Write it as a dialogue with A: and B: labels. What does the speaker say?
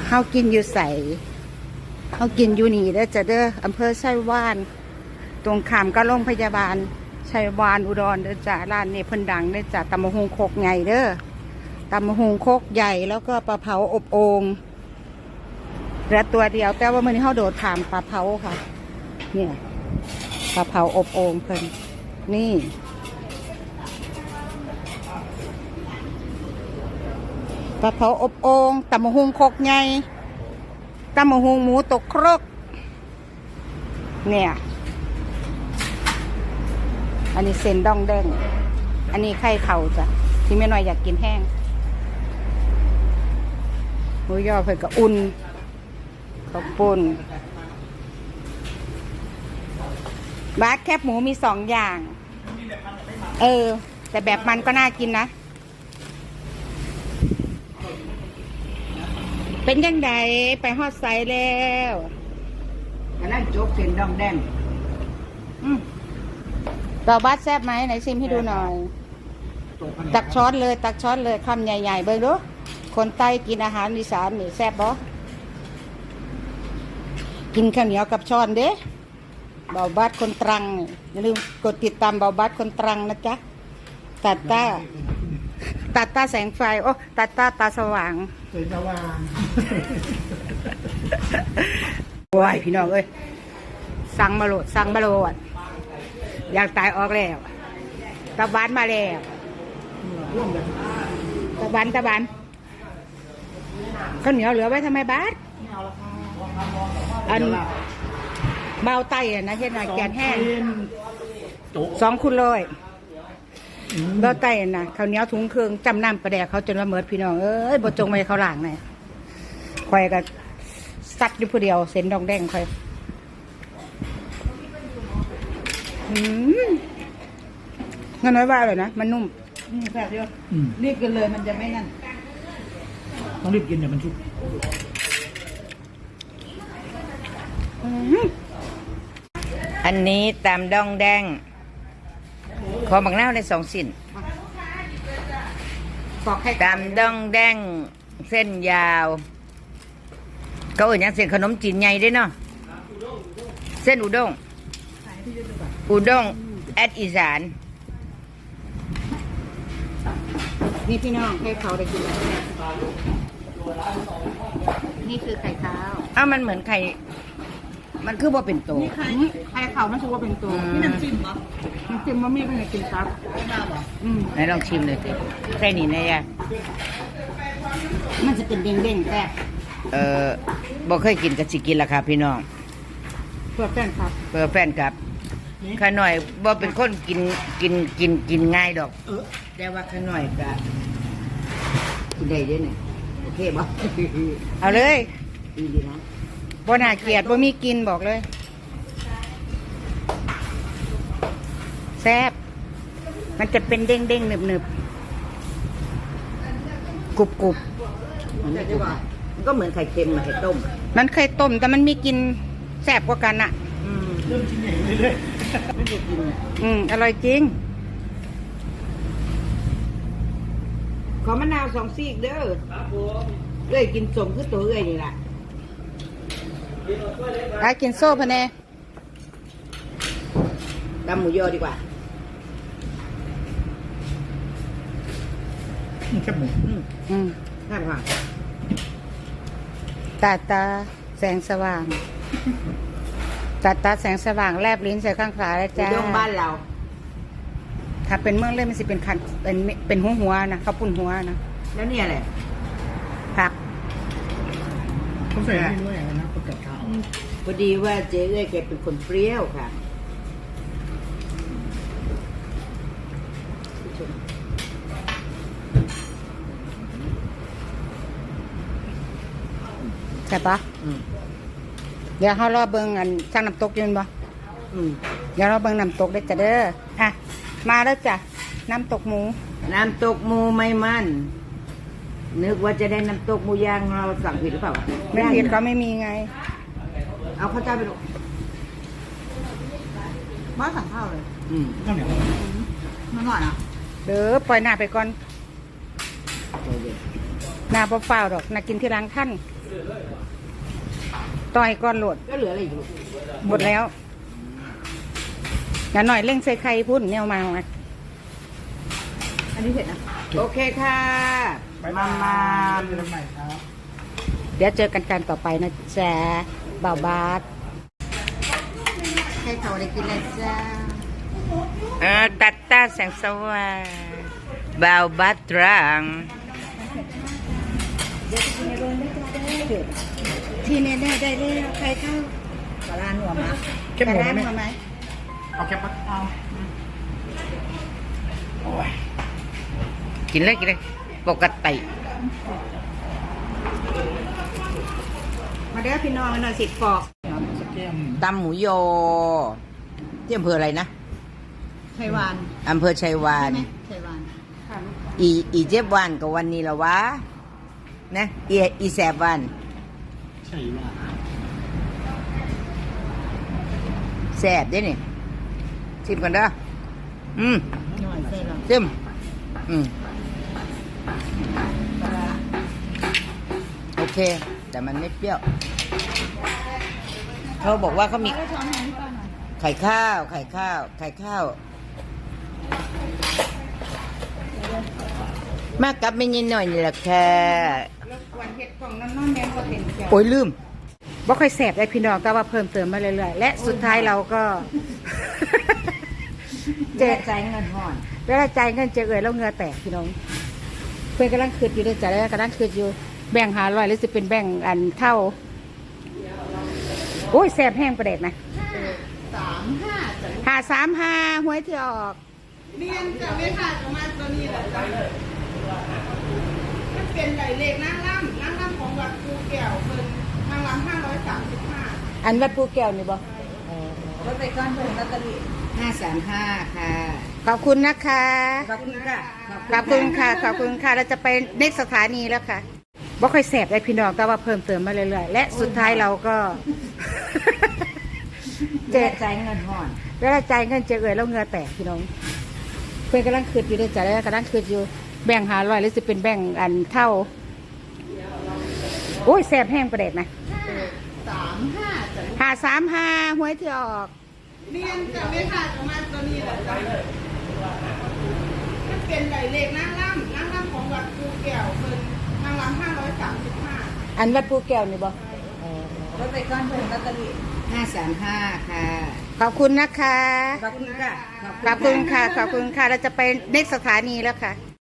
A: เฮากินอยู่ใสเฮากินอยู่นี่เด้อจะเด้ออำเภอไชยวานตรงข้ามกับโรงพยาบาลไชยวานอุดรเด้อจ้าร้านนี้เพิ่นดังเด้อจ้าตำมะฮุงโคกใหญ่เด้อตำมะฮุงโคกใหญ่แล้วก็ปลาเผาอบโอ่งเหลือตัวเดียวแต่ว่ามื้อนี้เฮาโดดข้ามปลาเผาค่ะเนี่ยปลาเผาอบโอ่งเพิ่นนี่ปลาเผาอบโอ่งตำมะฮุงโคกใหญ่ตำมะฮุงหมูตกครกเนี่ยอันนี้เส้นดองแดงอันนี้ไข่เข่าจ้ะที่แม่น้อยอยากกินแห้งหมูยอเพิ่นก็อุ่นข้าวปุ้นบาสแคบหมูมี2 อย่างแต่แบบมันก็น่ากินนะเป็นยังไงไปฮอดไซแล้ว
B: อันนั้นโจ๊กเส้นดองแดง
A: ต่อบัสแซ่บไหมไหนชิมให้ดูหน่อยตักช้อนเลยคำใหญ่ๆเบิ่งดูคนใต้กินอาหารอีสานนี่แซ่บบ่กินข้าวเหนียวกับช้อนเด้เบาบัสคนตรังอย่าลืมกดติดตามเบาบัสคนตรังนะจ๊ะตัดตาแสงไฟโอ้ตัดตาสว่างโอ้ยพี่น้องเอ้ยสั่งมาโหลดอยากตายออกแล้วตะบันมาแล้วตะบันข้าวเหนียวเหลือไว้ทำไมบาสอันเบาไตอ่ะนะเช่นหน่อยแกนแห้ง2 คุณเลยเบาไตนะข้าวเหนียวถุงเครื่องจำน้ำประแดกเขาจนว่าเมิดพี่น้องเอ้ยบดจงไปเขาหลังเนี่ยคอยกับซัดอยู่ผู้เดียวเส้นดองแดงคอยเงินน้อยว่าเลยนะมันนุ่มแซ่บเยอะรีบกินเลยมันจะไม่นั่น
B: ต้องรีบกินเดี๋ยวมันชุบ
C: อันนี้ตามดองแดงขอบักนาวใน2 สิ้นตามดองแดงเส้นยาวเขาเอ่ยยังเส้นขนมจีนใหญ่ด้วยเนาะเส้นอุด้งแอดอีสาน
A: นี่พี่น้องให้เขาได้กินแล้วนี่คือไข่ขาว
C: มันเหมือนไข่มันคือว่าเป็นตัว
A: ไข่ขาวมันชื่อว่าเป็นตัวนี่น้ำจิ้มเหรอน้ำจิ้มมันมีเป็นไงกินครับ
C: ไหนลองชิมเลยสิใส่นี่นะยะ
A: มันจะเป็นเด้งๆแต่
C: บ่เคยกินกับสิกินราคาพี่น้อง
A: เพื่อแฟน
C: ครับข้าหน่อยบ่เป็นคนกินง่ายดอกแต่ว่าข้าหน่อยก็กินได้ด้วยเนี่ยโอเคบ่
A: เอาเลย
C: ดีนะ
A: บ่น่าเกลียดบ่มีกินบอกเลยแซ่บมันจะเป็นเด้งๆหนึบๆกรุบ
C: มันก็เหมือนไข่เค็มไข่ต้ม
A: มันไข่ต้มแต่มันมีกินแซ่บกว่ากันอ่ะ
B: เริ่มชิ้นใหญ่เลยไม่ได้กิน
A: อร่อยจริง
C: ขอมะนาว2 ซีกเด้อเอ้ยกินสมคือตัวเอ้ยนี่แหละ
A: กินโซ่พะเน
C: ดำหมูยอดีกว่า
B: แค่หมู
C: น่าผ่าน
A: ตาแสงสว่างตาแสงสว่างแลบลิ้นใส่ข้างขวาแล้วจ้า
C: อุด้งบ้านเรา
A: ถ้าเป็นเมืองเลยมันสิเป็นคันเป็นหัวนะเขาปุ่นหัวนะ
C: แล้วเนี่ยแหละ
A: ผัก
B: เขาใส่ด้วยนะประกาศข่าว
C: พอดีว่าเจ๊เอ้ยแกเป็นคนเปรี้ยวค่ะ
A: ใช่ปะเดี๋ยวเขารอเบิ้งอันช่างน้ำตกยืนบ่เดี๋ยวเราเบิ้งน้ำตกได้จ้ะเด้อมาแล้วจ้ะน้ำตกหมู
C: ไม่มันนึกว่าจะได้น้ำตกหมูย่างเราสั่งผิดหรือเปล่า
A: ไม่ผิดเขาไม่มีไง
C: เอาข้าวเจ้าไปดู
A: มาสั่งข้าวเลย
B: ข้าวเหนียว
A: มาหน่อยนะเด้อปล่อยหน้าไปก่อนนาเปล่าๆดอกนากินที่ร้านท่านต่อยก้อนโหลด
C: ก็เหลืออะไรอยู่
A: หมดแล้วอย่าหน่อยเร่งใส่ไข่พุ่นเนี่ยมาอันนี้เสร็จนะ
C: โอเคค่ะ มามา
B: เจอกันใหม่ครับ
A: เดี๋ยวเจอกันการต่อไปนะจ๊ะบ่าวบาสให้เขาได้กินแล้วจ้า
C: ตัดตาแสงสว่างบ่าวบัตรัง
A: เดี๋ยวจะกินในโรงได้จ้าได้ที่แน่ๆได้เลยใครเข้าปลาร้าหนัวมา
B: เข้มหมู
A: ปลา
B: ไหม
A: ร้าหนัวไหม
B: เอาแคปปะ
A: เอา
C: โอ้ยกินเลยกินเลยปกติ
A: มาเด้อพี่น้องมาหน่อยสิปอก
B: สักแก้ม
C: ตำหมูโยที่อำเภออะไรนะ
A: ไข่หวาน
C: อำเภอชัยวาน
A: ไข่หวานค่ะ
C: อีเจ็บวันกับวันนี้ละวะนะอีแสบวัน
B: ใช่ว่า
C: แสบเด้นี่ชิมกันเด้ออืม
A: หน่อยใส่หรอ
C: ชิมอืม
A: ปลาร้า
C: โอเค แต่มันไม่เปรี้ยวเขาบอกว่าเขามี
A: ช้อนแทนที่ป้าหน่อย
C: ไข่ข้าว ไข่ข้าว ไข่ข้าว มากกับไม่ยินหน่อยนี่แหละค่ะ
A: วันเห็ดกล่องน้ำแดงก็เป็นแก้ว
C: โอ้ยลืม
A: บ่ค่อยแสบได้พี่น้องแต่ว่าเพิ่มเติมมาเรื่อยๆและสุดท้ายเราก็
C: เจ๊ใจเงินห่อน
A: เวลาจ่ายเงินเจอเอ่ยแล้วเหงือแตกพี่น้อง เพื่อนกำลังคืดอยู่ด้วยจ้ะแล้วกำลังคืดอยู่แบ่ง500หรือจะเป็นแบ่งอันเท่าโอ้ยแสบแห้งประเด็ดนะ535หวยที่ออก
D: เรียนจะไม่ขาดประมาณตัวนี้แหละจ้ะมันเป็นไหลเลขนั่งล่ำของวัดภูแก้วเพิ่นนั่งล่ำ535
A: อันวัดภูแก้วนี่บ่
D: รถไปก้อนเพิ่นลอตเตอรี่
C: 535ค่ะ
A: ขอบคุณนะคะ
C: ขอบคุณค่ะ
A: ขอบคุณค่ะขอบคุณค่ะเราจะไปเน็กสถานีแล้วค่ะบ่ค่อยแสบได้พี่น้องแต่ว่าเพิ่มเติมมาเรื่อยๆและสุดท้ายเราก็
C: เจ๊ใจเงินห่อน
A: เวลาจ่ายเงินเจอเอ่ยแล้วเหงือแตกพี่น้อง เพื่อนกำลังคืดอยู่ด้วยจ้ะแล้วกำลังคืดอยู่แบ่ง500หรือจะเป็นแบ่งอันเท่าโอ้ยแสบแห้งประเด็ดนะ
D: 35จ้ะ
A: 535หวยที่ออก
D: เรียนจะไม่ขาดประมาณตัวนี้แหละจ้ะมันเป็นไหลเลขนั่งล่ำของวัดภูแก้วเพิ่นนั่งล่ำ535
A: อันวัดภูแก้วนี่บ่
D: รถไปก้อนเพิ่นลอตเตอรี่
C: 535ค่ะ
A: ขอบคุณนะคะ
C: ขอบคุณค่ะ
A: ขอบคุณค่ะขอบคุณค่ะเราจะไปเน็กสถานีแล้วค่ะ